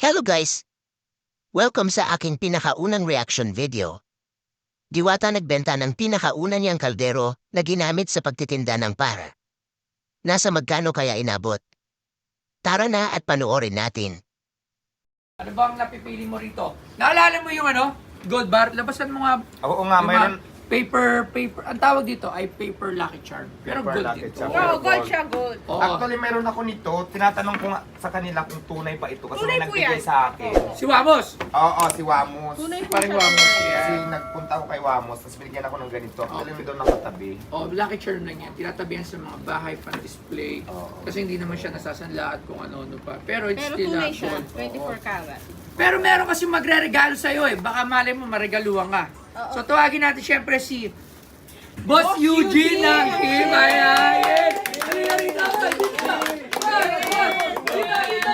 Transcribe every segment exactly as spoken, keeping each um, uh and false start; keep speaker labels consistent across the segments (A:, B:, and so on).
A: Hello guys! Welcome sa aking pinakaunang reaction video. Diwata nagbenta ng pinakauna niyang kaldero na ginamit sa pagtitinda ng para. Nasa magkano kaya inabot? Tara na at panoorin natin.
B: Ano ba ang napipili mo rito? Naalala mo yung ano? Gold bar? Labasan mo nga.
C: Oo nga,
B: yung
C: mayroon.
B: mga Paper, paper. Ang tawag dito ay paper lucky charm. Pero
C: Paper
B: gold
C: lucky
B: dito.
C: charm.
B: Oo.
C: Pero
D: Oo, gold
C: gold.
D: siya, gold.
B: Oo.
C: Actually, meron ako nito. Tinatanong ko nga sa kanila kung tunay pa ito. Kasi
D: Tunay
C: may
D: po
C: nagbigay
D: yan.
C: sa akin.
B: Si Wamos!
C: Oo, si Wamos.
D: Tunay po
B: Parang
D: siya.
B: Wamos.
C: Kasi
B: Yeah.
C: nagpunta ako kay Wamos, tapos binigyan ako ng ganito. Actually, may doon nakatabi.
B: Oh, lucky charm lang yan. Tinatabihan sa mga bahay pan display.
C: Oo.
B: Kasi hindi naman siya nasasanla at kung ano-ano pa. Pero it's
D: Pero
B: still
D: tunay
B: a
D: siya,
B: gold.
D: twenty-four
B: Oo.
D: karat.
B: Pero meron kasi magre-regalo sa'yo eh. Baka mali mo, maregaluhan ka.
D: Oo.
B: So tawagin natin syempre si Boss,
D: Boss
B: Eugene
D: Eugene!
B: ng Himayayan! Halika rito! Halika! Halika rito!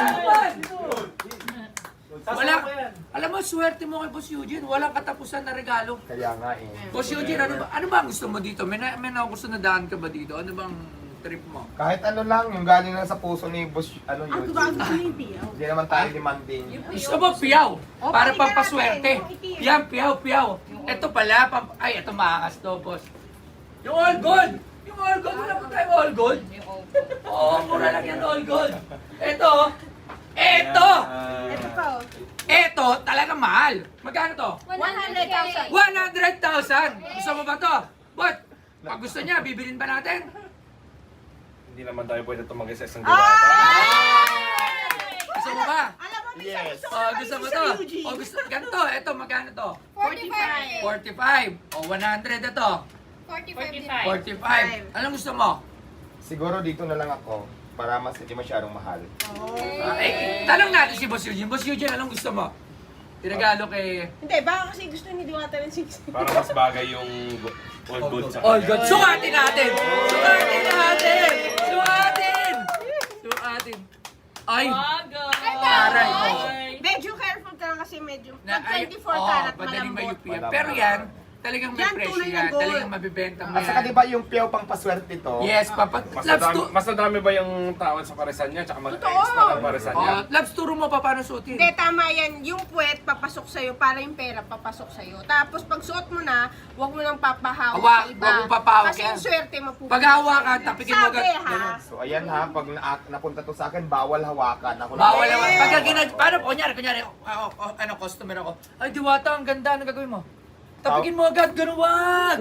B: Wala, alam mo, swerte mo kay Boss Eugene. Walang katapusan na regalo.
C: Kaya nga eh.
B: Boss Eugene, ano ba, ano ba ang gusto mo dito? May, na, may na gusto na daan ka ba dito? Ano bang trip mo?
C: Kahit ano lang, yung galing lang sa puso ni Boss, ano
D: Ang
C: yun.
D: gumagawa ko yung tiyaw.
C: Hindi naman tayo demanding.
B: Gusto mo piyaw?
D: Oh,
B: Para
D: pakita
B: pampaswerte.
D: natin, yung itim.
B: Piyaw, piyaw, piyaw. Ito pala, pam ay, ito maakas to, boss. Yung all gold! Yung all gold, wala po tayo all gold. Oo, mura lang yan all gold. Ito, ito,
D: Ito pa, oh.
B: ito, talaga mahal. Magkano to?
D: one hundred thousand.
B: one hundred thousand! Gusto mo ba to? But, pag gusto niya, bibilin ba natin?
E: Hindi naman tayo pwede tumagay sa isang
D: Ah!
E: diwata.
B: Gusto mo ba?
D: Alam mo, Miss,
C: Yes.
D: gusto ko
B: Oh,
D: na
B: gusto mo
D: isa
B: to?
D: Eugene.
B: Oh, gusto, ganito, ito, magkano to?
D: forty-five.
B: forty-five. O, one hundred ito.
D: forty-five.
B: forty-five. Anong gusto mo?
C: Siguro dito na lang ako, para mas hindi masyadong mahal.
B: Ah, eh, tanong natin si Boss Eugene. Boss Eugene, anong gusto mo? Tinagalo kay...
D: Hindi, baka kasi gusto ni Diwata ng six.
E: Para mas bagay yung go- all gold sa
B: All
E: kanya.
B: good. Sukatin natin! Sukatin natin! Sukatin! Sukatin! Ay! Aray! Oh.
D: Medyo careful ka lang kasi medyo.
B: Na,
D: Pag
B: ay,
D: twenty-four
B: oh,
D: karat,
B: madaling
D: malambot.
B: mayupi yan.
C: Malambot.
B: Pero yan, talagang may
D: Yan,
B: presyo
D: tunay na
B: yan.
D: gold.
B: Talagang mabibenta mo
C: At saka
B: yan.
C: di ba yung piyaw pang paswerte to?
B: Yes, papa.
E: Mas
B: Labs
E: nadami,
B: to...
E: mas nadami ba yung tawad sa paresan niya? Tsaka
D: Totoo.
E: mag-extra ng paresan niya?
B: Oh, labs, turo mo pa paano suotin.
D: Hindi, tama yan. Yung puwet, papasok sa'yo para yung pera papasok sa'yo. Tapos pag suot mo na, huwag mo nang papahawak
B: Hawa-
D: sa iba.
B: huwag mo papahawak
D: Kasi
B: yan.
D: yung swerte mo pupunta
B: Pag hawakan,
D: sa inyo.
B: tapikin mo
D: Sabi,
B: agad.
D: ha?
C: So ayan ha, pag na napunta to sa akin, bawal hawakan. Ako
B: Bawal
C: lang.
B: naman. Pagka ginag... Paano po? Kunyari, kunyari, ako, ako, ano, customer ako. Ay, Diwata, ang ganda. Ano gagawin mo? Tapikin mo agad, ganun wag!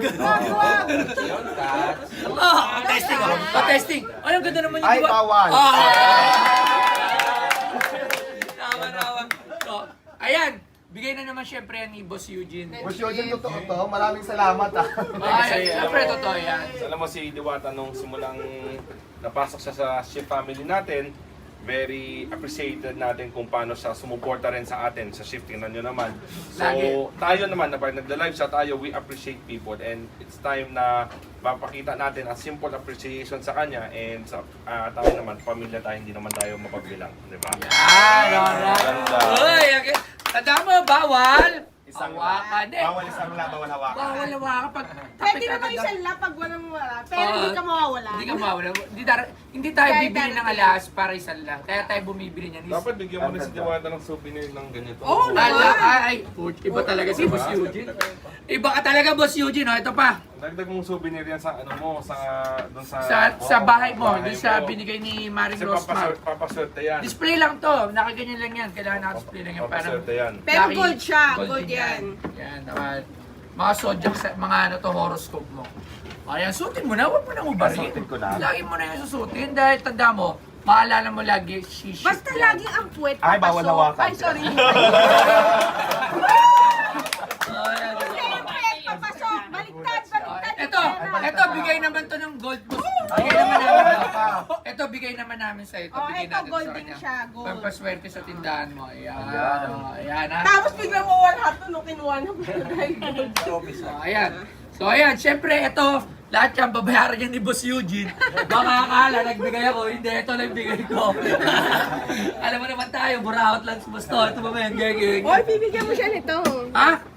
B: Oh, testing ako. Oh, testing. Ay, ang ganda naman yung
C: Ay,
B: Diwata.
C: bawal.
B: Ah! Tama, tama. So, ayan. Bigay na naman syempre yan ni Boss Eugene.
C: Boss Eugene, totoo to. Maraming salamat ah.
B: Ay, syempre, totoo yan.
E: Alam mo si Diwata nung simulang napasok siya sa shift family natin, very appreciated natin kung paano siya sumuporta rin sa atin sa shift. Tingnan nyo naman. So,
B: Lagi.
E: tayo naman, na pag nagla-live siya tayo, we appreciate people and it's time na mapakita natin a simple appreciation sa kanya and sa ah, tayo naman, pamilya tayo, hindi naman tayo mapagbilang. Di ba?
B: Yan, alright.
E: Ganda.
B: Uy, okay. Tanda mo, bawal.
C: Isang
B: Hawakan eh.
C: Bawal isang la, bawal hawakan.
B: Bawal hawakan pag
D: Pwede
B: tapik
D: naman
B: agad.
D: isang lapag walang wala. Pero
B: Oo.
D: hindi ka mawawala.
B: Hindi ka mawala. Hindi, dar- hindi tayo
D: Kahit
B: bibili ng
D: darating.
B: alas para isang lang. Kaya tayo bumibili niyan. Is-
E: Dapat bigyan mo rin si Diwata ng souvenir ng ganito.
D: Oo,
B: Ala, ay, ay, iba talaga si Boss Eugene. Iba ka talaga, Boss Eugene. Oh, ito pa.
E: Dagdag mong souvenir yan sa ano mo, sa doon sa
B: Sa sa bahay mo,
E: bahay
B: doon sa
E: mo.
B: binigay ni Maring
E: Kasi
B: Rosmar.
E: papaswerte, papaswerte yan.
B: Display lang to. Nakaganyan lang yan. Kailangan naka-display lang yan. Parang
E: Papaswerte yan.
D: Pero
B: Lucky.
D: gold siya,
B: Gold
D: gold
B: din
D: yan.
B: Yan, naman. Mga zodiac, sa- mga ano to, horoscope mo. Ayan, suotin mo na. Huwag mo nang ubarin.
C: Suotin ko na.
B: Lagi mo na yung susutin dahil tanda mo, maalala mo lagi, shiship
D: Basta
B: yan.
D: lagi ang puwet
C: Ay, bawal
D: papasok.
C: hawakan.
D: Ay, sorry.
B: Oh, ayan.
D: Basta yung puwet papasok. Baliktad, baliktad.
B: Ito, ito, bigay naman to ng gold boss. Bigay naman namin. Ito, bigay naman namin sa ito.
D: Oh,
B: Bigay
D: ito,
B: natin
D: gold
B: sa
D: din
B: kanya.
D: siya, gold.
B: Pampaswerte sa tindahan mo. Ayan,
C: Ayan.
B: oh, ayan ha.
D: Tapos biglang mawala ito nung kinuha na mo dahil gold.
B: So, ayan. So, ayan, syempre, ito, lahat yan, babayaran yan ni Boss Eugene. Baka akala, nagbigay ako. Hindi, ito lang bigay ko. Alam mo naman tayo, buraot lang si Boss to. Ito ba ba yan, gagawin?
D: Oy, bibigyan mo siya nito.
B: Ha?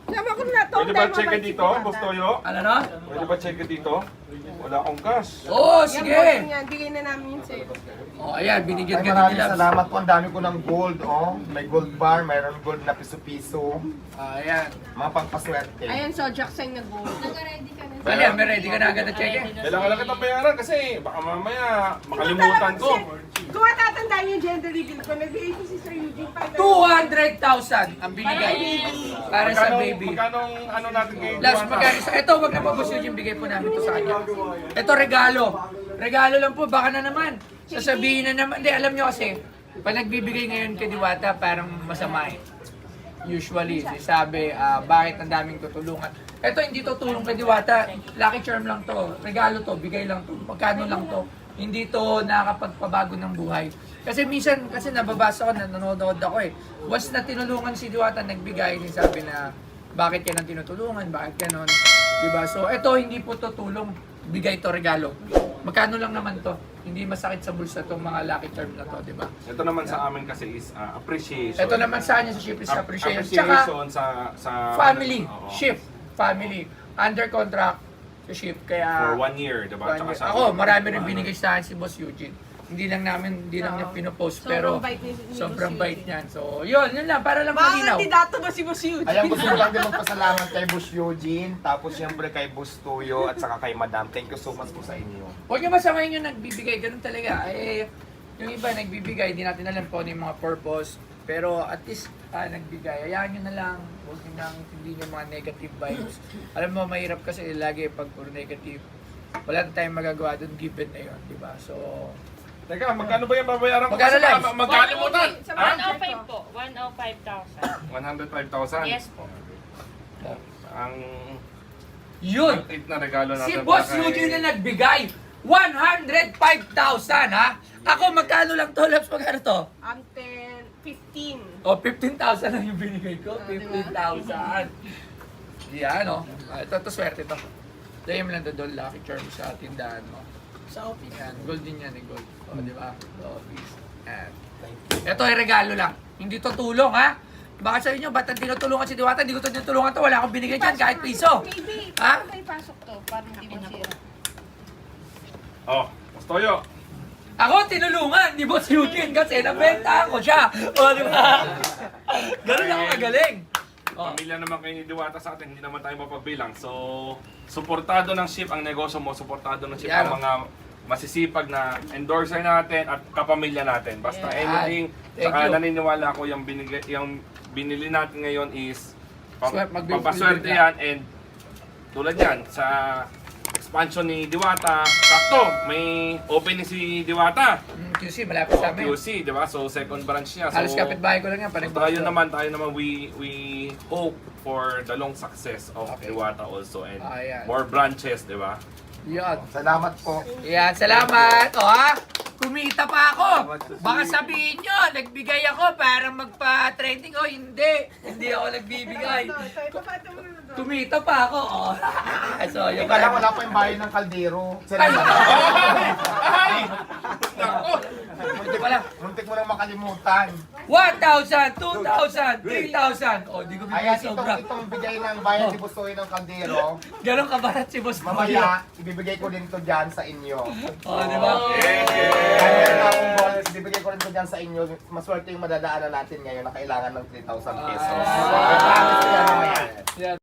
D: Sama ko na to.
E: Pwede ba check dito, Boss Toyo?
B: Ano no?
E: Pwede ba check dito? Wala akong cash.
B: Oo,
D: Yan,
B: sige.
D: bossing yan. Bigay na namin yun sa'yo.
B: Oh, ayan, binigyan
C: Ay,
B: ka
C: maraming
B: nila.
C: salamat po. Ang dami ko ng gold, oh. May gold bar, mayroon gold na piso-piso.
B: Ah, ayan.
C: Mga pangpaswerte.
D: Ayan, so Jackson nag-gold.
F: Nag-ready ka na.
B: Ayan, may ready ka na agad na check eh.
E: Kailangan lang kitang bayaran kasi baka mamaya makalimutan ko.
D: Kung matatandaan yung gender reveal ko, nagbigay ko si Sir Eugene pa.
B: two hundred thousand ang binigay. Para sa
E: Magkano-
B: baby.
E: Magkano ang ano natin kay
B: Last
E: Juana?
B: magkano sa ito, wag na po boss yung bigay po namin to sa kanya. Ito regalo. Regalo lang po, baka na naman. Sasabihin na naman, hindi alam nyo kasi, pag nagbibigay ngayon kay Diwata, parang masama eh. Usually, sabi, ah, bakit ang daming tutulungan. Ito hindi to tulong kay Diwata, lucky charm lang to, regalo to, bigay lang to, magkano lang to. Hindi to nakakapagpabago ng buhay. Kasi minsan, kasi nababasa ko, nanonood ako eh. Once na tinulungan si Diwata, nagbigay, sabi na, bakit ka nang tinutulungan, bakit ganon. Diba? So, ito hindi po to tulong, bigay to regalo. Magkano lang naman to, hindi masakit sa bulsa tong mga lucky charm na to, diba?
E: Ito naman sa amin kasi is uh, appreciation.
B: Ito naman sa kanya sa ship is
E: Ap-
B: appreciation. Tsaka,
E: appreciation sa sa
B: family,
E: Oo.
B: shift, family, under contract sa ship. Kaya,
E: For one year, diba?
B: one
E: Tsaka
B: year.
E: sa-
B: Ako, marami rin binigay sa akin si Boss Eugene. Hindi lang namin, hindi lang niya pinopost,
D: Sobrang
B: pero
D: bait ni- ni
B: sobrang
D: Boss
B: bait
D: Eugene.
B: niyan. So, yun, yun lang, para lang
D: Baka
B: malinaw.
D: kandidato ba si Boss Eugene?
C: Ayan, gusto ko lang din magpasalamat kay Boss Eugene, tapos siyempre kay Boss Tuyo, at saka kay Madam. Thank you so much po sa inyo.
B: Huwag niyo masamahin yung nagbibigay, ganun talaga. Eh, yung iba nagbibigay, hindi natin alam po ano yung mga purpose. Pero at least ah, nagbigay, hayaan nyo na lang. Huwag nyo nang hindi nyo mga negative vibes. Alam mo, mahirap kasi lagi pag puro negative. Wala na tayong magagawa doon, given na yun, di ba? So,
E: Teka, magkano ba yung babayaran ko?
B: Magkano
E: Kasi
B: live?
E: baka magkalimutan.
D: Sa
E: Ha?
F: one oh five po. one oh five thousand.
E: one hundred five thousand.
F: Yes po.
E: Ang
B: yun!
E: ang tip na regalo natin.
B: Si Boss
E: para kay-
B: Eugene na nagbigay, one hundred five thousand ha? Ako, magkano lang to, Labs? Magkano to?
D: Um, ten, fifteen.
B: O, oh, fifteen thousand lang yung binigay ko.
D: Ah, di ba?
B: fifteen thousand. Yan, o. Ah, ito, ito, swerte to. Ito yung lang doon, lucky charm sa tindahan mo. Sa office. Yan, gold din yan, eh, gold. O, di ba? Sa office. Yan. Ito ay regalo lang. Hindi to tulong, ha? Baka sabi nyo, ba't ang tinutulungan si Diwata? Hindi ko to tinutulungan to. Wala akong binigay dyan, kahit piso.
D: Maybe,
B: Ha?
D: may pasok to para hindi masira.
E: Oh, Boss Toyo.
B: Ako, tinulungan ni Boss Eugene kasi nabenta ako siya. O, di ba? Ganun ako kagaling. Oh.
E: Pamilya naman kayo ni Diwata sa atin, hindi naman tayo mapagbilang. So, suportado ng ship ang negosyo mo, suportado ng ship
B: Yan.
E: ang mga masisipag na endorser natin at kapamilya natin. Basta
B: Yan.
E: anything,
B: Thank
E: saka
B: you.
E: naniniwala ako yung, binigay, yung binili natin ngayon is pam-
B: Swerte, magbi-
E: pampaswerte
B: bibili
E: yan and tulad yan sa expansion ni Diwata, sakto, may opening si Diwata.
B: Mm, Q C, malapit sa amin.
E: Q C, di ba? So, second branch niya. So,
B: Halos kapitbahay ko lang yan.
E: So,
B: Parang
E: tayo naman, tayo naman, we we hope for the long success of
B: Okay.
E: Diwata also and
B: Ah, yan.
E: more branches, di ba?
B: Yan.
C: Salamat po.
B: Yan, salamat. O ha, kumita pa ako. Baka sabihin nyo, nagbigay ako para magpa-trending. O hindi, hindi ako nagbibigay.
D: Ito, ito, ito, ito, ito.
B: Kumita pa ako. O. So,
C: Yung
B: yung
C: kala wala pa yung bayan ng kaldero.
B: Ay!
E: Ay! Nako!
B: Muntik pa lang.
C: Muntik mo nang makalimutan.
B: one thousand, two thousand, three thousand. O, di ko
C: Kaya
B: bigay
C: itong,
B: sobra.
C: itong bigay ng bayan ni Busoy ng kaldero,
B: Ganon kabarat si Boss Toyo.
C: mamaya, ibibigay ko din to dyan sa inyo.
B: O, di ba?
C: Kaya meron akong balls, ibibigay ko rin to dyan sa inyo. Maswerte yung madadaanan natin ngayon na kailangan ng three thousand pesos.
B: Ah.
C: I promise ko yan mamaya.
B: Yan.